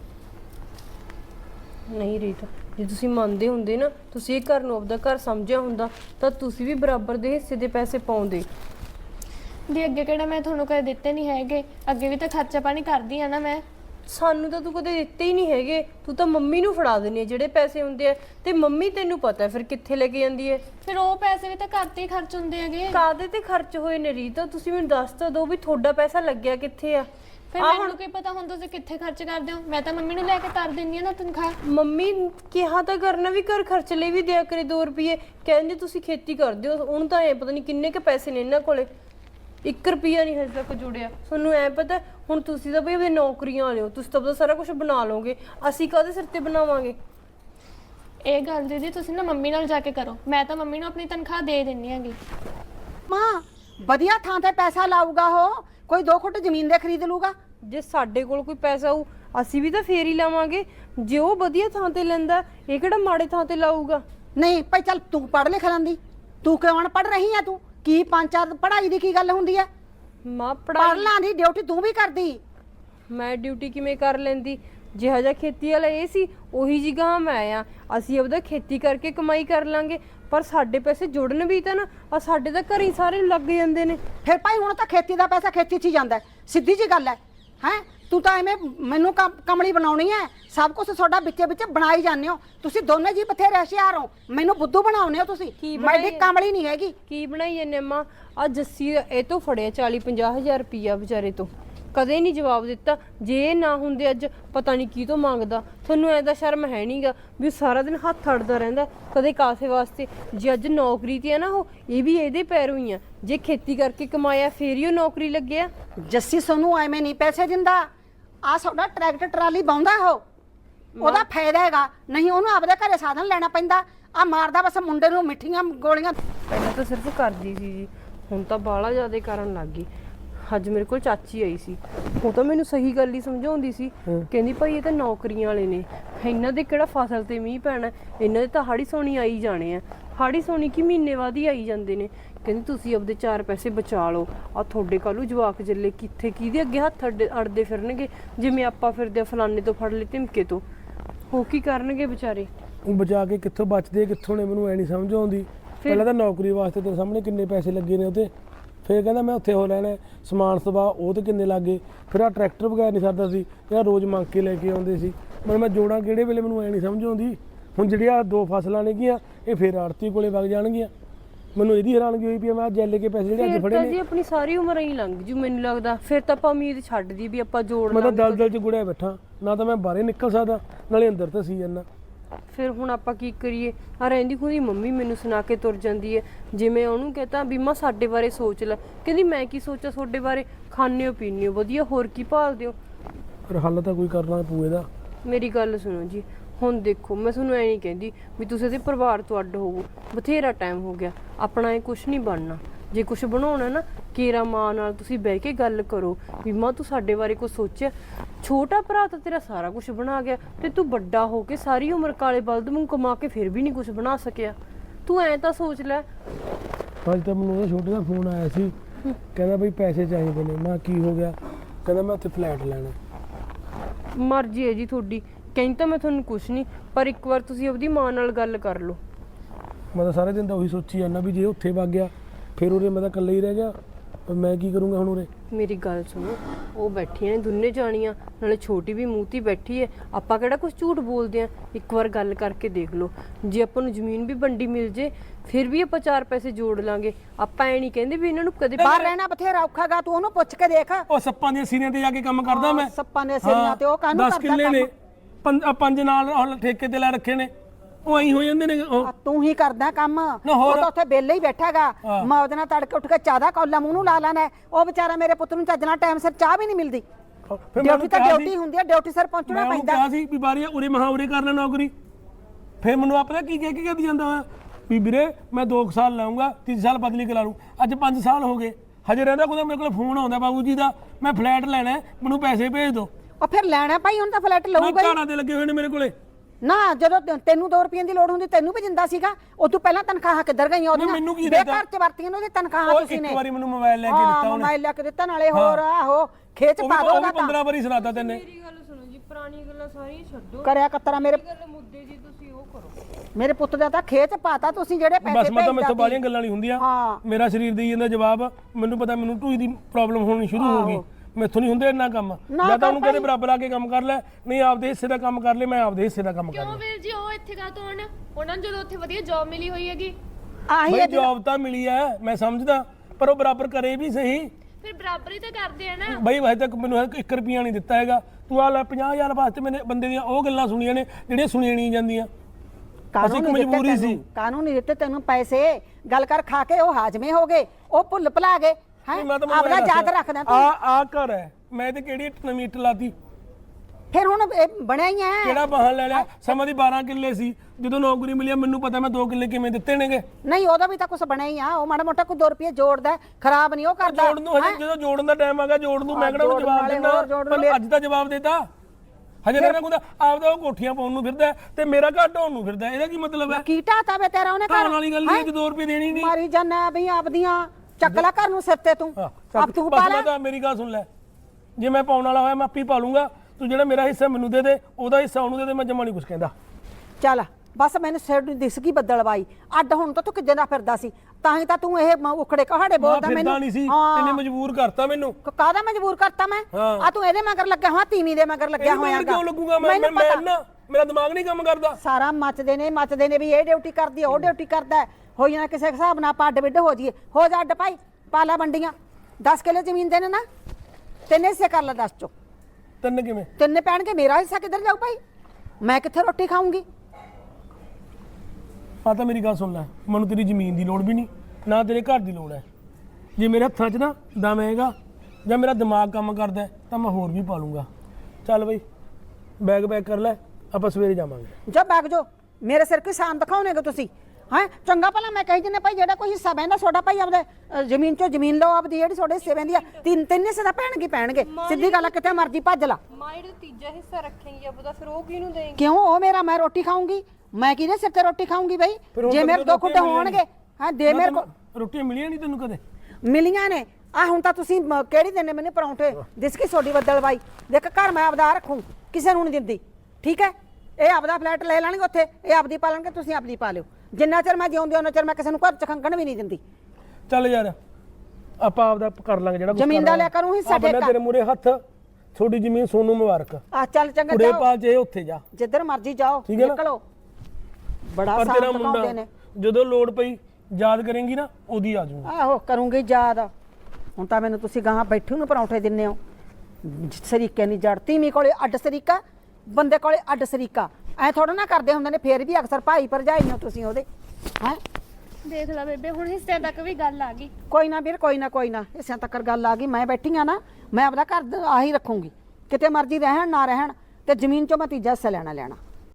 Speaker 2: ਨਹੀਂ ਰੀਤ, ਜੇ ਤੁਸੀਂ ਮੰਨਦੇ ਹੁੰਦੇ ਨਾ, ਤੁਸੀਂ ਇਹ ਘਰ ਨੂੰ ਆਪਦਾ ਘਰ ਸਮਝਿਆ ਹੁੰਦਾ, ਤਾਂ ਤੁਸੀਂ ਵੀ ਬਰਾਬਰ ਦੇ ਹਿੱਸੇ ਦੇ ਪੈਸੇ ਪਾਉਂਦੇ।
Speaker 3: ਦੀ ਅੱਗੇ ਕਿਹੜਾ ਮੈਂ ਤੁਹਾਨੂੰ ਕਦੇ ਦਿੱਤੇ ਨਹੀਂ ਹੈਗੇ, ਅੱਗੇ ਵੀ ਤਾਂ ਖਰਚਾ ਪਾਣੀ ਕਰਦੀ ਆ ਨਾ ਮੈਂ।
Speaker 2: ਸਾਨੂੰ ਤਾਂ ਤੂੰ ਕਦੇ ਦਿੱਤੇ ਹੀ ਨਹੀਂ ਹੈਗੇ, ਤੂੰ ਤਾਂ ਮੰਮੀ ਨੂੰ ਫੜਾ ਦਿੰਦੀ ਹੈ ਜਿਹੜੇ ਪੈਸੇ ਹੁੰਦੇ ਆ, ਤੇ ਮੰਮੀ ਤੈਨੂੰ ਪਤਾ ਫਿਰ ਕਿੱਥੇ ਲੈ ਕੇ ਜਾਂਦੀ ਹੈ।
Speaker 3: ਫਿਰ ਉਹ ਪੈਸੇ ਵੀ ਤਾਂ ਘਰ ਤੇ ਹੀ ਖਰਚ ਹੁੰਦੇ ਹੈਗੇ।
Speaker 2: ਕਾਦੇ ਤੇ ਖਰਚ ਹੋਏ ਨੇ ਰੀਤ? ਤੁਸੀਂ ਮੈਨੂੰ ਦੱਸ ਤਾਂ ਦਿਓ ਵੀ ਤੁਹਾਡਾ ਪੈਸਾ ਲੱਗਿਆ ਕਿੱਥੇ ਆ।
Speaker 3: ਫਿਰ ਮੈਨੂੰ ਕੀ ਪਤਾ ਹੁਣ ਤੁਸੀਂ ਕਿੱਥੇ ਖਰਚ ਕਰਦੇ ਹੋ? ਮੈਂ ਤਾਂ ਮੰਮੀ ਨੂੰ ਲੈ ਕੇ ਤਰ ਦਿੰਦੀ ਆ ਨਾ ਤਨਖਾਹ।
Speaker 2: ਮੰਮੀ ਕਿਹਾ ਤਾਂ ਕਰਨਾ ਵੀ ਘਰ ਖਰਚ ਲਈ ਵੀ ਦਿਆ ਕਰੇ ਦੋ ਰੁਪਏ, ਕਹਿੰਦੇ ਤੁਸੀਂ ਖੇਤੀ ਕਰਦੇ ਹੋ। ਹੁਣ ਤਾਂ ਇਹ ਪਤਾ ਨਹੀਂ ਕਿੰਨੇ ਕੁ ਪੈਸੇ ਨੇ ਇਹਨਾਂ ਕੋਲੇ, ਇੱਕ ਰੁਪਿਆ ਨਹੀਂ ਹਜੇ ਤੱਕ ਜੁੜਿਆ। ਤੁਹਾਨੂੰ ਐ ਪਤਾ ਹੁਣ ਤੁਸੀਂ ਤਾਂ ਬਈ ਆਪਣੀ ਨੌਕਰੀਆਂ ਵਾਲੇ ਹੋ, ਤੁਸੀਂ ਤਾਂ ਸਾਰਾ ਕੁਝ ਬਣਾ ਲਓਗੇ, ਅਸੀਂ ਕਾਹਦੇ ਸਿਰ ਤੇ ਬਣਾਵਾਂਗੇ?
Speaker 3: ਇਹ ਗੱਲ ਦੀਦੀ ਤੁਸੀਂ ਨਾ ਮੰਮੀ ਨਾਲ ਜਾ ਕੇ ਕਰੋ, ਮੈਂ ਤਾਂ ਮੰਮੀ ਨੂੰ ਆਪਣੀ ਤਨਖਾਹ ਦੇ ਦਿੰਨੀ ਹੈਗੀ।
Speaker 1: ਮਾਂ ਵਧੀਆ ਥਾਂ ਤੇ ਪੈਸਾ ਲਾਊਗਾ, ਉਹ ਕੋਈ ਦੋ ਖੁੱਟ ਜ਼ਮੀਨ ਦੇ ਖਰੀਦ ਲੂਗਾ।
Speaker 2: ਜੇ ਸਾਡੇ ਕੋਲ ਕੋਈ ਪੈਸਾ ਹੋਊ ਅਸੀਂ ਵੀ ਤਾਂ ਫੇਰ ਹੀ ਲਾਵਾਂਗੇ। ਜੇ ਉਹ ਵਧੀਆ ਥਾਂ ਤੇ ਲੈਂਦਾ, ਇਹ ਕਿਹੜਾ ਮਾੜੇ ਥਾਂ ਤੇ ਲਾਊਗਾ?
Speaker 1: ਨਹੀਂ ਭਾਈ ਚੱਲ ਤੂੰ ਪੜ੍ਹ ਲਿਖ ਲੈਂਦੀ, ਤੂੰ ਕਿਉਂ ਅਨਪੜ੍ਹ ਰਹੀ ਆ? ਤੂੰ ਕੀ ਪੰਜ ਚਾਰ ਪੜ੍ਹਾਈ ਦੀ ਕੀ ਗੱਲ ਹੁੰਦੀ ਆ?
Speaker 2: ਮਾਂ
Speaker 1: ਪੜ੍ਹ
Speaker 2: ਪੜਾਈ
Speaker 1: ਲਾਂ ਦੀ ਡਿਊਟੀ ਤੂੰ ਵੀ ਕਰਦੀ।
Speaker 2: ਮੈਂ ਡਿਊਟੀ ਕਿਵੇਂ ਕਰ ਲੈਂਦੀ? ਜਿਹਾ ਜਿਹਾ ਖੇਤੀ ਵਾਲਾ ਇਹ ਸੀ ਉਹੀ ਜੀ ਗਾਂ ਮੈਂ ਆ। ਅਸੀਂ ਆਪਦਾ ਖੇਤੀ ਕਰਕੇ ਕਮਾਈ ਕਰ ਲਾਂਗੇ, ਪਰ ਸਾਡੇ ਪੈਸੇ ਜੁੜਨ ਵੀ ਤਾਂ ਨਾ, ਆ ਸਾਡੇ ਤਾਂ ਘਰੇ ਸਾਰੇ ਲੱਗ ਜਾਂਦੇ ਨੇ।
Speaker 1: ਫਿਰ ਭਾਈ ਹੁਣ ਤਾਂ ਖੇਤੀ ਦਾ ਪੈਸਾ ਖੇਤੀ 'ਚ ਹੀ ਜਾਂਦਾ ਹੈ, ਸਿੱਧੀ ਜੀ ਗੱਲ ਹੈ। ਹੈ ਤੂੰ ਤਾਂ ਐਵੇਂ ਮੈਨੂੰ ਕਮ- ਕਮਲੀ ਬਣਾਉਣੀ ਹੈ। ਸਭ ਕੁਝ ਤੁਹਾਡਾ ਵਿੱਚੇ ਵਿੱਚ ਬਣਾਈ ਜਾਂਦੇ ਹੋ ਤੁਸੀਂ ਦੋਨੇ ਜੀ ਬਥੇਰੇ ਹੁਸ਼ਿਆਰ ਹੋ, ਮੈਨੂੰ ਬੁੱਧੂ ਬਣਾਉਨੇ ਹੋ ਤੁਸੀਂ।
Speaker 2: ਕੀ
Speaker 1: ਮੈਂ ਦੀ
Speaker 2: ਬਣਾਈ
Speaker 1: ਕਮਲੀ ਨਹੀਂ ਹੈਗੀ।
Speaker 2: ਕੀ ਬਣਾਈ ਜਾਂਦੇ ਮਾਂ? ਆ ਜੱਸੀ ਇਹ ਤੋਂ ਫੜਿਆ ਚਾਲੀ ਪੰਜਾਹ ਹਜ਼ਾਰ ਰੁਪਈਆ ਵਿਚਾਰੇ ਤੋਂ, ਕਦੇ ਨਹੀਂ ਜਵਾਬ ਦਿੱਤਾ। ਜੇ ਇਹ ਨਾ ਹੁੰਦੇ ਅੱਜ ਪਤਾ ਨਹੀਂ ਕੀ ਤੋਂ ਮੰਗਦਾ। ਤੁਹਾਨੂੰ ਐਦਾ ਸ਼ਰਮ ਹੈ ਨਹੀਂਗਾ ਵੀ ਸਾਰਾ ਦਿਨ ਹੱਥ ਅੜਦਾ ਰਹਿੰਦਾ ਕਦੇ ਕਾਸੇ ਵਾਸਤੇ। ਜੇ ਅੱਜ ਨੌਕਰੀ ਤੇ ਆ ਨਾ ਉਹ, ਇਹ ਵੀ ਇਹਦੇ ਪੈਰੋਂ ਹੀ ਆ। ਜੇ ਖੇਤੀ ਕਰਕੇ ਕਮਾਇਆ ਫੇਰ ਹੀ ਉਹ ਨੌਕਰੀ ਲੱਗਿਆ।
Speaker 1: ਜੱਸੀ ਸੋਨੂੰ ਐਵੇਂ ਨਹੀਂ ਪੈਸੇ ਦਿੰਦਾ। ਆ ਤੁਹਾਡਾ ਟਰੈਕਟਰ ਟਰਾਲੀ ਬਾਉਂਦਾ ਉਹ, ਉਹਦਾ ਫਾਇਦਾ ਹੈਗਾ। ਨਹੀਂ ਉਹਨੂੰ ਆਪਦੇ ਘਰੇ ਸਾਧਨ ਲੈਣਾ ਪੈਂਦਾ। ਆ ਮਾਰਦਾ ਬਸ ਮੁੰਡੇ ਨੂੰ ਮਿੱਠੀਆਂ ਗੋਲੀਆਂ।
Speaker 2: ਪਹਿਲਾਂ ਤਾਂ ਸਿਰਫ ਕਰਦੀ ਸੀ ਜੀ, ਹੁਣ ਤਾਂ ਬਾਹਲਾ ਜ਼ਿਆਦਾ ਕਰਨ ਲੱਗ ਗਈ। ਅੱਜ ਮੇਰੇ ਕੋਲ ਚਾਚੀ ਆਈ ਸੀ, ਉਹ ਤਾਂ ਮੈਨੂੰ ਸਹੀ ਗੱਲ ਹੀ ਸਮਝਾਉਂਦੀ ਸੀ। ਕਹਿੰਦੀ ਭਾਈ ਇਹ ਤਾਂ ਨੌਕਰੀਆਂ ਵਾਲੇ ਨੇ, ਇਹਨਾਂ ਦੇ ਕਿਹੜਾ ਫਸਲ ਤੇ ਮੀਂਹ ਪੈਣਾ, ਇਹਨਾਂ ਦੇ ਤਾਂ ਹਾੜੀ ਸੋਣੀ ਆਈ ਜਾਣੇ ਆ। ਹਾੜੀ ਸੋਣੀ ਕੀ ਮਹੀਨੇ ਬਾਅਦ ਹੀ ਆਈ ਜਾਂਦੇ ਨੇ। ਕਹਿੰਦੀ ਤੁਸੀਂ ਆਪਦੇ ਚਾਰ ਪੈਸੇ ਬਚਾ ਲਓ, ਆ ਤੁਹਾਡੇ ਕੱਲੂ ਜਵਾਕ ਜੱਲੇ ਕਿੱਥੇ ਕਿਹਦੇ ਅੱਗੇ ਹੱਥ ਅੜਦੇ ਅੜਦੇ ਫਿਰਨਗੇ। ਜਿਵੇਂ ਆਪਾਂ ਫਿਰਦੇ ਫਲਾਨੇ ਤੋਂ ਫੜ ਲਏ ਧਮਕੇ ਤੋਂ, ਉਹ ਕੀ ਕਰਨਗੇ ਵਿਚਾਰੇ।
Speaker 4: ਉਹ ਬਚਾ ਕੇ ਕਿੱਥੋਂ ਬਚਦੇ ਕਿੱਥੋਂ ਨੇ, ਮੈਨੂੰ ਐ ਨਹੀਂ ਸਮਝ ਆਉਂਦੀ। ਪਹਿਲਾਂ ਤਾਂ ਨੌਕਰੀ ਵਾਸਤੇ ਤੇਰੇ ਸਾਹਮਣੇ ਕਿੰਨੇ ਪੈਸੇ ਲੱਗੇ ਨੇ ਉਹਤੇ, ਫਿਰ ਕਹਿੰਦਾ ਮੈਂ ਉੱਥੇ ਹੋ ਲੈਣਾ ਸਮਾਨ ਸਵਾ, ਉਹ ਤੇ ਕਿੰਨੇ ਲੱਗੇ। ਫਿਰ ਆ ਟਰੈਕਟਰ ਵਗੈਰਾ ਨਹੀਂ ਸਰਦਾ ਸੀ, ਜਾਂ ਰੋਜ਼ ਮੰਗ ਕੇ ਲੈ ਕੇ ਆਉਂਦੇ ਸੀ। ਮੈਂ ਮੈਂ ਜੋੜਾਂ ਕਿਹੜੇ ਵੇਲੇ, ਮੈਨੂੰ ਐ ਨਹੀਂ ਸਮਝ ਆਉਂਦੀ। ਹੁਣ ਜਿਹੜੀਆਂ ਦੋ ਫਸਲਾਂ ਨੇਗੀਆਂ ਇਹ ਫਿਰ ਆੜਤੀ ਕੋਲੇ ਵਗ ਜਾਣਗੀਆਂ। ਮੈਨੂੰ ਇਹਦੀ ਹੈਰਾਨਗੀ ਹੋਈ ਪਈ, ਮੈਂ ਜੈਲੇ ਕੇ ਪੈਸੇ ਜਿਹੜੇ ਅੱਜ ਫੜੇ ਨੇ।
Speaker 2: ਜੀ ਆਪਣੀ ਸਾਰੀ ਉਮਰ ਹੀ ਲੰਘ ਜੂ ਮੈਨੂੰ ਲੱਗਦਾ। ਫਿਰ ਤਾਂ ਆਪਾਂ ਉਮੀਦ ਛੱਡ ਦੀ ਵੀ ਆਪਾਂ ਜੋੜ
Speaker 4: ਮੈਂ ਤਾਂ ਦਲ ਦਲ ਚ ਗੁੜਿਆ ਬੈਠਾ, ਨਾ ਤਾਂ ਮੈਂ ਬਾਹਰੇ ਨਿਕਲ ਸਕਦਾ ਨਾਲੇ ਅੰਦਰ ਤਾਂ ਸੀ ਜਾਂਦਾ।
Speaker 2: ਫਿਰ ਹੁਣ ਆਪਾਂ ਕੀ ਕਰੀਏ? ਆ ਰਹਿੰਦੀ ਖੁਦੀ ਮੰਮੀ ਮੈਨੂੰ ਸੁਣਾ ਕੇ ਤੁਰ ਜਾਂਦੀ ਹੈ। ਜਿਵੇਂ ਉਹਨੂੰ ਕਹਤਾ ਵੀ ਮਾਂ ਸਾਡੇ ਬਾਰੇ ਸੋਚ ਲੈ, ਕਹਿੰਦੀ ਮੈਂ ਕੀ ਸੋਚਾਂ ਤੁਹਾਡੇ ਬਾਰੇ, ਖਾਣੇ ਹੋ ਪੀਣੇ ਹੋ ਵਧੀਆ, ਹੋਰ ਕੀ ਭਾਲਦੇ ਹੋ।
Speaker 4: ਪਰ ਹੱਲ ਤਾਂ ਕੋਈ ਕਰਨਾ ਪਊ ਇਹਦਾ।
Speaker 2: ਮੇਰੀ ਗੱਲ ਸੁਣੋ ਜੀ, ਹੁਣ ਦੇਖੋ ਮੈਂ ਤੁਹਾਨੂੰ ਐ ਨਹੀਂ ਕਹਿੰਦੀ ਵੀ ਤੁਸੀਂ ਇਹਦੇ ਪਰਿਵਾਰ ਤੋਂ ਅੱਡ ਹੋਵੋ, ਬਥੇਰਾ ਟਾਈਮ ਹੋ ਗਿਆ, ਆਪਣਾ ਇਹ ਕੁਛ ਨਹੀਂ ਬਣਨਾ। ਜੇ ਕੁਛ ਬਣਾਉਣਾ ਨਾ ਕੇਰਾ ਮਾਂ ਨਾਲ ਤੁਸੀਂ ਬਹਿ ਕੇ ਗੱਲ ਕਰੋ ਵੀ ਮਾਂ ਤੂੰ ਸਾਡੇ ਬਾਰੇ ਕੁਛ ਸੋਚਿਆ। ਛੋਟਾ ਭਰਾ ਤਾਂ ਤੇਰਾ ਸਾਰਾ ਕੁਝ ਬਣਾ ਗਿਆ ਤੇ ਤੂੰ ਵੱਡਾ ਹੋ ਕੇ ਸਾਰੀ ਉਮਰ ਕਾਲੇ ਬਲਦ ਮੂੰਹ ਕਮਾ ਕੇ ਫਿਰ ਵੀ ਨਹੀਂ ਕੁਝ ਬਣਾ ਸਕਿਆ। ਤੂੰ ਐ ਤਾਂ ਸੋਚ ਲੈ।
Speaker 4: ਅੱਜ ਤਾਂ ਮੈਨੂੰ ਉਹਦਾ ਛੋਟੇ ਦਾ ਫੋਨ ਆਇਆ ਸੀ, ਕਹਿੰਦਾ ਬਈ ਪੈਸੇ ਚਾਹੀਦੇ ਨੇ। ਮੈਂ ਕੀ ਹੋ ਗਿਆ? ਕਹਿੰਦਾ ਮੈਂ ਉੱਥੇ ਫਲੈਟ ਲੈਣਾ।
Speaker 2: ਮਰਜ਼ੀ ਹੈ ਜੀ ਤੁਹਾਡੀ, ਕਹਿੰਦੀ ਤਾਂ ਮੈਂ ਤੁਹਾਨੂੰ ਕੁਛ ਨਹੀਂ, ਪਰ ਇੱਕ ਵਾਰ ਤੁਸੀਂ ਆਪਦੀ ਮਾਂ ਨਾਲ ਗੱਲ ਕਰ ਲਓ।
Speaker 4: ਮੈਂ ਤਾਂ ਸਾਰੇ ਦਿਨ ਤਾਂ ਉਹੀ ਸੋਚੀ ਜਾਂਦਾ ਵੀ ਜੇ ਉੱਥੇ ਵਗ ਗਿਆ ਫਿਰ ਉਰੇ ਮੈਂ ਤਾਂ ਇਕੱਲਾ ਹੀ ਰਹਿ ਗਿਆ, ਪਰ ਮੈਂ ਕੀ ਕਰੂੰਗਾ ਹੁਣ ਉਰੇ।
Speaker 2: ਮੇਰੀ ਗੱਲ ਸੁਣੋ, ਉਹ ਬੈਠੀਆਂ ਨੇ ਦੋਨੇ ਜਾਣੀਆਂ, ਨਾਲੇ ਛੋਟੀ ਵੀ ਮੂੰਹ ਤੇ ਬੈਠੀ ਹੈ। ਆਪਾਂ ਕਿਹੜਾ ਕੁਝ ਝੂਠ ਬੋਲਦੇ ਆ। ਇੱਕ ਵਾਰ ਗੱਲ ਕਰਕੇ ਦੇਖ ਲਓ, ਜੇ ਆਪਾਂ ਨੂੰ ਜ਼ਮੀਨ ਵੀ ਵੰਡੀ ਮਿਲ ਜੇ ਫਿਰ ਵੀ ਆਪਾਂ ਚਾਰ ਪੈਸੇ ਜੋੜ ਲਾਂਗੇ। ਆਪਾਂ ਐ ਨਹੀਂ ਕਹਿੰਦੇ ਵੀ ਇਹਨਾਂ ਨੂੰ ਕਦੇ
Speaker 1: ਬਾਹਰ ਰਹਿਣਾ ਬਥੇਰਾ ਔਖਾਗਾ, ਤੂੰ ਉਹਨੂੰ ਪੁੱਛ ਕੇ ਦੇਖ।
Speaker 4: ਉਹ ਸੱਪਾਂ ਦੀਆਂ ਸੀਰੀਆਂ ਤੇ ਜਾ ਕੇ ਕੰਮ ਕਰਦਾ ਮੈਂ।
Speaker 1: ਸੱਪਾਂ ਦੇ ਸਿਰੀਆਂ ਤੇ ਉਹ ਕਾਹਨੂੰ
Speaker 4: ਦਸ
Speaker 1: ਕਰਦਾ
Speaker 4: ਕਿੱਲੇ ਨੇ,
Speaker 1: ਕੰਮ?
Speaker 4: ਪੰਜ ਪੰਜ ਨਾਲ ਉਹ ਠੇਕੇ ਤੇ ਲੈ ਰੱਖੇ ਨੇ, ਉਹ ਐਂ ਹੋ ਜਾਂਦੇ ਨੇ। ਉਹ
Speaker 1: ਆ, ਤੂੰ ਹੀ ਕਰਦਾ ਕੰਮ। ਉਹ
Speaker 4: ਹੋਰ?
Speaker 1: ਤਾਂ ਉੱਥੇ ਵਿਹਲੇ ਹੀ ਬੈਠਾਗਾ,
Speaker 4: ਹਾਂ।
Speaker 1: ਮੌਤ ਨਾਲ ਤੜਕੇ ਉੱਠ ਕੇ ਚਾਹ ਦਾ ਕੌਲਾ ਮੂੰਹ ਨੂੰ ਲਾ ਲੈਣਾ ਹੈ। ਉਹ ਵਿਚਾਰਾ ਮੇਰੇ ਪੁੱਤ ਨੂੰ ਚੱਜਣਾ ਟਾਈਮ ਸਿਰ ਚਾਹ ਵੀ ਨਹੀਂ ਮਿਲਦੀ।
Speaker 4: ਫਿਰ ਮੈਂ
Speaker 1: ਡਿਊਟੀ
Speaker 4: ਉਹਨੂੰ
Speaker 1: ਤਾਂ
Speaker 4: ਕਿਹਾ
Speaker 1: ਡਿਊਟੀ
Speaker 4: ਸੀ,
Speaker 1: ਹੁੰਦੀ ਹੈ, ਡਿਊਟੀ ਸਿਰ ਪਹੁੰਚਣਾ
Speaker 4: ਮੈਂ ਉਹਨੂੰ
Speaker 1: ਪੈਂਦਾ।
Speaker 4: ਕਿਹਾ ਸੀ ਵੀ ਬਾਰੀ ਉਰੇ ਮਹਾ ਉਰੇ ਕਰ ਲੈ ਨੌਕਰੀ। ਫਿਰ ਮੈਨੂੰ ਆਪਣਾ ਕੀ ਕਹਿ ਕੇ ਕਹਿੰਦੀ ਜਾਂਦਾ ਹੋਇਆ ਵੀ ਵੀਰੇ ਮੈਂ ਦੋ ਕੁ ਸਾਲ ਲਾਉਂਗਾ, ਤੀਜੇ ਸਾਲ ਬਦਲੀ ਕਰਾ ਲੂੰ। ਅੱਜ ਪੰਜ ਸਾਲ ਹੋ ਗਏ, ਹਜੇ ਰਹਿੰਦਾ ਕੋਈ ਮੇਰੇ ਕੋਲ ਫੋਨ ਆਉਂਦਾ ਬਾਬੂ ਜੀ ਦਾ, ਮੈਂ ਫਲੈਟ ਲੈਣਾ ਹੈ, ਮੈਨੂੰ ਪੈਸੇ ਭੇਜ ਦਿਓ।
Speaker 1: ਉਹ ਫਿਰ ਲੈਣਾ ਭਾਈ, ਹੁਣ ਤਾਂ ਫਲੈਟ
Speaker 4: ਮੈਂ
Speaker 1: ਲਊਗਾ ਹੀ
Speaker 4: ਘਰਾਂ ਤੇ ਲੱਗੇ ਹੋਏ ਨੇ ਮੇਰੇ ਕੋਲੇ।
Speaker 1: ਨਾ। ਜਦੋਂ ਤੈ- ਤੈਨੂੰ ਦੋ ਰੁਪਈਆਂ ਦੀ ਲੋੜ ਹੁੰਦੀ ਤੈਨੂੰ ਵੀ ਦਿੰਦਾ ਸੀਗਾ। ਉਹ ਤੋਂ ਪਹਿਲਾਂ ਤਨਖਾਹਾਂ ਕਿੱਧਰ ਗਈਆਂ ਉਹਦੀਆਂ?
Speaker 4: ਮੈਨੂੰ ਕੀ ਦਿੱਤਾ?
Speaker 1: ਬੇਕਾਰ ਚ ਵਰਤੀਆਂ ਨੇ ਉਹਦੀ ਤਨਖਾਹਾਂ
Speaker 4: ਉਹ
Speaker 1: ਤੁਸੀਂ ਨੇ।
Speaker 4: ਇੱਕ ਵਾਰੀ ਮੈਨੂੰ ਮੋਬਾਈਲ ਲੈ ਕੇ
Speaker 1: ਹਾਂ,
Speaker 4: ਦਿੱਤਾ ਉਹਨੇ।
Speaker 1: ਮੋਬਾਈਲ ਲੈ ਕੇ ਦਿੱਤਾ, ਨਾਲੇ ਹੋਰ ਆਹੋ ਖੇਚ
Speaker 4: ਉਹ
Speaker 1: ਪਾ
Speaker 4: ਵੀ
Speaker 1: ਦੋਗਾ
Speaker 4: ਉਹ ਵੀ
Speaker 1: ਤਾਂ।
Speaker 4: ਪੰਦਰਾਂ ਵਾਰੀ ਸੁਣਾਤਾ ਤੈਨੇ।
Speaker 2: ਮੇਰੀ ਗੱਲ ਸੁਣੋ ਜੀ, ਪੁਰਾਣੀ ਗੱਲਾਂ ਸਾਰੀਆਂ ਛੱਡੋ।
Speaker 1: ਕਰਿਆ ਕਤਰਾ ਮੇਰੇ
Speaker 2: ਗੱਲ ਮੁੱਦੇ ਜੀ ਤੁਸੀਂ ਉਹ ਕਰੋ।
Speaker 1: ਮੇਰੇ ਪੁੱਤ ਦਾ ਤਾਂ ਖੇਚ ਪਾਤਾ ਤੁਸੀਂ, ਜਿਹੜੇ ਪੈਸੇ
Speaker 4: ਬਸ ਮੈਂ ਤਾਂ
Speaker 1: ਭੇਜਦਾ
Speaker 4: ਮੈਥੋਂ
Speaker 1: ਸੀ।
Speaker 4: ਬਾਹਲੀਆਂ ਗੱਲਾਂ ਨਹੀਂ ਹੁੰਦੀਆਂ।
Speaker 1: ਹਾਂ।
Speaker 4: ਮੇਰਾ ਸਰੀਰ ਦੇਈ ਜਾਂਦਾ ਜਵਾਬ, ਮੈਨੂੰ ਪਤਾ ਮੈਨੂੰ ਢੂਈ ਦੀ ਪ੍ਰੋਬਲਮ ਹੋਣੀ ਸ਼ੁਰੂ ਹੋ ਗਈ। ਮੈਥੋਂ ਨਹੀਂ ਹੁੰਦੇ ਇੰਨਾ ਕੰਮ। ਜਾਂ ਤਾਂ ਉਹਨੂੰ ਕਹਿੰਦੇ ਬਰਾਬਰ ਆ ਕੇ ਕੰਮ ਕਰ ਲੈ, ਨਹੀਂ ਆਪਦੇ ਹਿੱਸੇ ਦਾ ਕੰਮ ਕਰ ਲੈ, ਮੈਂ ਆਪਦੇ ਹਿੱਸੇ ਦਾ ਕੰਮ ਕਰ
Speaker 3: ਕਿਉਂ
Speaker 4: ਲਿਆ।
Speaker 3: ਵੀਰ ਜੀ ਉਹ ਇੱਥੇ ਕਾ ਤੋਂ ਆਉਣ? ਉਹਨਾਂ ਨੂੰ ਜਦੋਂ ਉੱਥੇ ਵਧੀਆ ਜੌਬ ਮਿਲੀ ਹੋਈ ਹੈਗੀ।
Speaker 1: ਆਹੀ
Speaker 4: ਬਈ
Speaker 1: ਇਹ
Speaker 4: ਜੌਬ ਤਾਂ ਮਿਲੀ ਐ, ਮੈਂ ਸਮਝਦਾ, ਪਰ ਉਹ ਬਰਾਬਰ ਕਰੇ ਵੀ ਸਹੀ।
Speaker 3: ਫਿਰ ਬਰਾਬਰੀ ਤਾਂ ਕਰਦੇ ਆ ਨਾ।
Speaker 4: ਬਈ ਹਜੇ ਤੱਕ ਮੈਨੂੰ ਇੱਕ ਰੁਪਿਆ ਨਹੀਂ ਦਿੱਤਾ ਹੈਗਾ। ਤੂੰ ਆ ਲੈ ਪੰਜਾਹ ਹਜ਼ਾਰ ਵਾਸਤੇ ਮੈਨੇ ਬੰਦੇ ਦੀਆਂ ਉਹ ਗੱਲਾਂ ਸੁਣੀਆਂ ਨੇ ਜਿਹੜੀਆਂ ਸੁਣੀਆਂ ਨਹੀਂ ਜਾਂਦੀਆਂ।
Speaker 1: ਕਾਨੂੰਨ
Speaker 4: ਅਸੀਂ ਇੱਕ
Speaker 1: ਨਹੀਂ ਦਿੱਤੇ
Speaker 4: ਮਜਬੂਰੀ ਸੀ।
Speaker 1: ਤੈਨੂੰ, ਕਾਨੂੰਨ ਨਹੀਂ ਦਿੱਤੇ ਤੈਨੂੰ ਪੈਸੇ। ਗੱਲ ਕਰ ਖਾ ਕੇ ਉਹ ਹਾਜ਼ਮੇ ਹੋ ਗਏ, ਉਹ ਭੁੱਲ ਭੁਲਾ ਗਏ ਹੈ।
Speaker 4: ਨਹੀਂ, ਮੈਂ ਤਾਂ
Speaker 1: ਆਪਣਾ
Speaker 4: ਮੈਨੂੰ
Speaker 1: ਯਾਦ
Speaker 4: ਦੱਸ,
Speaker 1: ਰੱਖਦਾ ਤੂੰ।
Speaker 4: ਆ ਆ ਘਰ ਹੈ, ਮੈਂ ਤੇ ਕਿਹੜੀ ਨਵੀਂ ਇੱਟ ਲਾਤੀ,
Speaker 1: ਫਿਰ ਹੁਣ ਇਹ ਬਣਿਆ ਹੀ ਹੈ।
Speaker 4: ਕਿਹੜਾ ਬਾਹਰ ਲੈ ਲਿਆ। ਸਮਾਂ ਦੀ ਬਾਰਾਂ ਕਿੱਲੇ ਸੀ, ਜਦੋਂ ਨੌਕਰੀ ਮਿਲੀ ਮੈਨੂੰ ਪਤਾ ਮੈਂ ਦੋ ਕਿੱਲੇ ਕਿਵੇਂ ਦਿੱਤੇ ਨੇਗੇ।
Speaker 1: ਨਹੀਂ ਉਹਦਾ ਵੀ ਤਾਂ ਕੁਝ ਬਣਿਆ ਹੀ ਆ। ਉਹ ਮਾੜਾ ਮੋਟਾ ਕੋਈ ਦੋ ਰੁਪਏ ਜੋੜਦਾ, ਖਰਾਬ ਨਹੀਂ ਉਹ ਕਰਦਾ।
Speaker 4: ਜੋੜ ਨੂੰ ਹਜੇ ਜਦੋਂ ਜੋੜਨ ਦਾ ਟਾਈਮ ਆ ਗਿਆ ਜੋੜ ਨੂੰ, ਮੈਂ ਕਿਹੜਾ ਉਹਨੂੰ
Speaker 1: ਜੋੜਨ
Speaker 4: ਜਵਾਬ
Speaker 1: ਵਾਲੇ
Speaker 4: ਦਿੰਦਾ,
Speaker 1: ਹੋਰ ਜੋੜਨ
Speaker 4: ਪਰ
Speaker 1: ਵਾਲੇ।
Speaker 4: ਅੱਜ ਤਾਂ ਜਵਾਬ ਦੇਤਾ। ਹਜੇ ਰਹਿਣਾ ਕੋਈ ਆਪਦਾ ਉਹ ਕੋਠੀਆਂ ਪਾਉਣ ਨੂੰ ਫਿਰਦਾ ਤੇ ਮੇਰਾ ਘਰ ਢਾਉਣ ਨੂੰ ਫਿਰਦਾ। ਇਹਦਾ ਕੀ ਮਤਲਬ ਹੈ?
Speaker 1: ਕੀ ਢਾਤਾ ਵੇ ਤੇਰਾ ਉਹਨੇ
Speaker 4: ਢਾਉਣ ਵਾਲੀ ਗੱਲ ਨਹੀਂ, ਦੋ ਰੁਪਏ ਦੇਣੀ ਨਹੀਂ।
Speaker 1: ਮਾਰੀ ਜਾਨਾ ਵੀ ਆਪਦੀਆਂ ਚੱਕ ਲੈ ਘਰ ਨੂੰ ਸਿਰ ਤੇ ਤੂੰ। ਆਪ ਤੂੰ
Speaker 4: ਬਸ
Speaker 1: ਪਾ
Speaker 4: ਮੈਂ
Speaker 1: ਲੈ।
Speaker 4: ਤਾਂ ਮੇਰੀ ਗੱਲ ਸੁਣ ਲੈ, ਜੇ ਮੈਂ ਪਾਉਣ ਵਾਲਾ ਹੋਇਆ ਮੈਂ ਆਪੀ ਪਾ ਲੂੰਗਾ। ਤੂੰ ਜਿਹੜਾ ਮੇਰਾ ਹਿੱਸਾ ਮੈਨੂੰ ਦੇ ਦੇ, ਉਹਦਾ ਹਿੱਸਾ ਉਹਨੂੰ ਦੇ ਦੇ, ਮੈਂ ਜਮਾ ਨਹੀਂ ਕੁਝ ਕਹਿੰਦਾ।
Speaker 1: ਚੱਲ ਬਸ ਮੈਨੂੰ ਸਿਰ ਨੂੰ ਦਿਸ ਗਈ ਬੱਦਲਵਾਈ। ਅੱਡ ਹੁਣ ਤਾਂ ਤੂੰ ਕਿੱਦਾਂ ਦਾ ਫਿਰਦਾ ਸੀ, ਤਾਂ ਹੀ ਤਾਂ ਤੂੰ ਇਹ ਮ- ਉਖੜੇ ਕਹਾੜੇ ਬੋਲਦਾ
Speaker 4: ਫਿਰਦਾ ਨਹੀਂ ਸੀ, ਇਹਨੇ ਮਜਬੂਰ ਕਰਤਾ ਮੈਨੂੰ।
Speaker 1: ਕਾਹਦਾ ਮਜਬੂਰ ਕਰਤਾ ਮੈਂ?
Speaker 4: ਹਾਂ।
Speaker 1: ਆ ਤੂੰ ਇਹਦੇ ਮਗਰ ਲੱਗਿਆ ਹੋਇਆ, ਤੀਵੀਂ ਦੇ ਮਗਰ ਲੱਗਿਆ
Speaker 4: ਇਹਦੇ ਮਗਰ
Speaker 1: ਹੋਇਆਗਾ।
Speaker 4: ਕਿਉਂ ਲੱਗੂਗਾ ਮੈਂ? ਮੈਂ ਮੈਂ ਨਾ ਮੇਰਾ ਦਿਮਾਗ ਨਹੀਂ ਕੰਮ ਕਰਦਾ।
Speaker 1: ਸਾਰਾ ਮੱਚਦੇ ਨੇ ਮੱਚਦੇ ਨੇ ਵੀ ਇਹ ਡਿਊਟੀ ਕਰਦੀ ਹੈ, ਉਹ ਡਿਊਟੀ ਕਰਦਾ ਹੈ। ਹੋਈ ਨਾ ਕਿਸੇ ਹਿਸਾਬ ਨਾਲ ਆਪਾਂ ਅੱਡ ਵਿੱਡ ਹੋ ਜਾਈਏ। ਹੋ ਜਾ ਅੱਡ ਭਾਈ, ਪਾਲਾ ਵੰਡੀਆਂ। ਦਸ ਕਿੱਲੇ ਜ਼ਮੀਨ ਦੇ ਨੇ ਨਾ, ਤਿੰਨ ਹਿੱਸੇ ਕਰ ਲੈ ਦਸ ਚੋਂ।
Speaker 4: ਤਿੰਨ ਕਿਵੇਂ?
Speaker 1: ਤਿੰਨ ਪੈਣਗੇ, ਮੇਰਾ ਹਿੱਸਾ ਕਿੱਧਰ ਜਾਊ ਭਾਈ? ਮੈਂ ਕਿੱਥੇ ਰੋਟੀ ਖਾਊਂਗੀ?
Speaker 4: ਆ ਤਾਂ ਮੇਰੀ ਗੱਲ ਸੁਣ ਲੈ, ਮੈਨੂੰ ਤੇਰੀ ਜ਼ਮੀਨ ਦੀ ਲੋੜ ਵੀ ਨਹੀਂ, ਨਾ ਤੇਰੇ ਘਰ ਦੀ ਲੋੜ ਹੈ। ਜੇ ਮੇਰੇ ਹੱਥਾਂ 'ਚ ਨਾ ਦਮ ਹੈਗਾ ਜਾਂ ਮੇਰਾ ਦਿਮਾਗ ਕੰਮ ਕਰਦਾ ਤਾਂ ਮੈਂ ਹੋਰ ਵੀ ਪਾ ਲੂੰਗਾ। ਚੱਲ ਬਈ ਬੈਗ ਬੈਗ ਕਰ ਲੈ, ਆਪਾਂ ਸਵੇਰੇ ਜਾਵਾਂਗੇ।
Speaker 1: ਜਾ ਬੈਗ ਜੋ, ਮੇਰੇ ਸਿਰ ਕੀ ਸ਼ਾਨ ਦਿਖਾਉਣੇਗੇ ਤੁਸੀਂ? ਹੈ ਚੰਗਾ ਭਲਾ ਮੈਂ ਕਹੀ ਜਿੰਨੇ ਭਾਈ ਜਿਹੜਾ ਕੋਈ ਹਿੱਸਾ ਬਹਿੰਦਾ ਤੁਹਾਡਾ ਭਾਈ ਆਪਦੇ ਅ, ਜ਼ਮੀਨ ਚੋਂ ਜ਼ਮੀਨ ਲਓ ਆਪਦੀ, ਜਿਹੜੀ ਤੁਹਾਡੇ ਹਿੱਸੇ ਬਹਿੰਦੀ ਆ ਤਿੰਨ ਤਿੰਨ ਹਿੱਸੇ ਦਾ ਪੈਣਗੇ ਪੈਣਗੇ ਸਿੱਧੀ ਗੱਲ ਆ, ਕਿਤੇ ਮਰਜ਼ੀ ਭੱਜ ਲਾ।
Speaker 2: ਮਾਂ ਜਿਹੜਾ ਤੀਜਾ ਹਿੱਸਾ ਰੱਖੇਂਗੀ ਆਪਦਾ, ਫਿਰ ਉਹ ਕਿਹਨੂੰ ਦੇਂਗੀ?
Speaker 1: ਕਿਉਂ? ਉਹ ਮੇਰਾ, ਮੈਂ ਰੋਟੀ ਖਾਊਂਗੀ। ਮੈਂ ਕਿਹਦੇ ਸਿਰ ਤੇ ਰੋਟੀ ਖਾਊਂਗੀ ਬਈ? ਜੇ ਮੇਰੇ ਦੋ ਖੁੱਡੇ ਹੋਣਗੇ ਹਾਂ ਦੇ ਮੇਰੇ ਕੋ।
Speaker 4: ਰੋਟੀਆਂ ਮਿਲੀਆਂ ਨਹੀਂ ਤੈਨੂੰ ਕਦੇ?
Speaker 1: ਮਿਲੀਆਂ ਨੇ। ਆ ਹੁਣ ਤਾਂ ਤੁਸੀਂ ਮ- ਕਿਹੜੀ ਦਿੰਦੇ ਮੈਨੂੰ ਪਰੌਂਠੇ? ਦਿਸ ਕੀ ਸੋਡੀ ਬੱਦਲਵਾਈ। ਦੇਖ ਘਰ ਮੈਂ ਆਪਦਾ ਰੱਖੂ, ਕਿਸੇ ਨੂੰ ਨਹੀਂ ਦਿੰਦੀ, ਠੀਕ ਹੈ? ਇਹ ਆਪਦਾ ਫਲੈਟ ਲੈ ਲੈਣਗੇ ਉੱਥੇ, ਇਹ ਆਪਦੀ ਪਾਲਣਗੇ, ਤੁਸੀਂ ਆਪਦੀ ਪਾ ਲਿਓ। ਜਿੰਨਾ ਚਿਰ ਮੈਂ ਜਿਉਂਦੀ ਉਹਨਾਂ ਚਿਰ ਮੈਂ ਕਿਸੇ ਨੂੰ ਘਰ ਚ ਖੰਗਣ ਵੀ ਨਹੀਂ ਦਿੰਦੀ।
Speaker 4: ਚੱਲ ਯਾਰ ਆਪਾਂ ਆਪਦਾ ਕਰ ਲਾਂਗੇ ਜਿਹੜਾ ਕੁਛ
Speaker 1: ਜ਼ਮੀਨ ਦਾ
Speaker 4: ਕਰਨਾ।
Speaker 1: ਲਿਆ ਕਰੂੰ ਹਿੱਸਾ
Speaker 4: ਆਹ ਬੰਦਾ
Speaker 1: ਠੇਕਾ।
Speaker 4: ਤੇਰੇ ਮੂਰੇ ਹੱਥ, ਥੋੜੀ ਜ਼ਮੀਨ ਸੋਨੂੰ ਮੁਬਾਰਕ।
Speaker 1: ਆ ਚੱਲ ਚੰਗਾ
Speaker 4: ਕੁੜੇ
Speaker 1: ਜਾਓ,
Speaker 4: ਪਾ ਜੇ ਉੱਥੇ ਜਾ,
Speaker 1: ਜਿੱਧਰ ਮਰਜ਼ੀ ਜਾਓ,
Speaker 4: ਠੀਕ ਹੈ ਨਾ?
Speaker 1: ਨਿਕਲੋ। ਬੜਾ
Speaker 4: ਪਰ
Speaker 1: ਸਾਥ
Speaker 4: ਤੇਰਾ
Speaker 1: ਦਿਖਾਉਂਦੇ
Speaker 4: ਮੁੰਡਾ
Speaker 1: ਨੇ।
Speaker 4: ਜਦੋਂ ਲੋੜ ਪਈ ਯਾਦ ਕਰੇਂਗੀ ਨਾ, ਉਹਦੀ ਆ ਜਾਊਗਾ।
Speaker 1: ਆਹੋ ਕਰੂੰਗੀ ਯਾਦ। ਹੁਣ ਤਾਂ ਮੈਨੂੰ ਤੁਸੀਂ ਗਾਹਾਂ ਬੈਠੇ ਨੂੰ ਪਰੌਂਠੇ ਦਿੰਨੇ ਹੋ। ਸਰੀਕੇ ਨਹੀਂ ਜੜ, ਤੀਵੀਂ ਕੋਲੇ ਅੱਡ ਸਰੀਕਾ, ਬੰਦੇ ਕੋਲੇ ਅੱਡ ਸਰੀਕਾ। ਐ ਥੋੜਾ ਨਾ ਕਰਦੇ ਹੁੰਦੇ ਨੇ, ਫੇਰ ਵੀ ਅਕਸਰ ਭਾਈ ਭਰਜਾਈ ਹੋ ਤੁਸੀਂ ਉਹਦੇ। ਹੈ
Speaker 3: ਦੇਖ ਲੈ ਬੇਬੇ, ਹੁਣ ਹਿੱਸੇ ਤੱਕ ਵੀ ਗੱਲ ਆ ਗਈ।
Speaker 1: ਕੋਈ ਨਾ ਵੀਰ, ਕੋਈ ਨਾ ਕੋਈ ਨਾ, ਹਿੱਸਿਆਂ ਤੱਕ ਗੱਲ ਆ ਗਈ। ਮੈਂ ਬੈਠੀ ਆ ਨਾ, ਮੈਂ ਆਪਦਾ ਘਰ ਆਹੀ ਰੱਖੂੰਗੀ, ਕਿਤੇ ਮਰਜ਼ੀ ਰਹਿਣ ਨਾ ਰਹਿਣ। ਤੇ ਜ਼ਮੀਨ ਚੋਂ ਮੈਂ ਤੀਜਾ ਹਿੱਸਾ ਲੈਣਾ ਲੈਣਾ।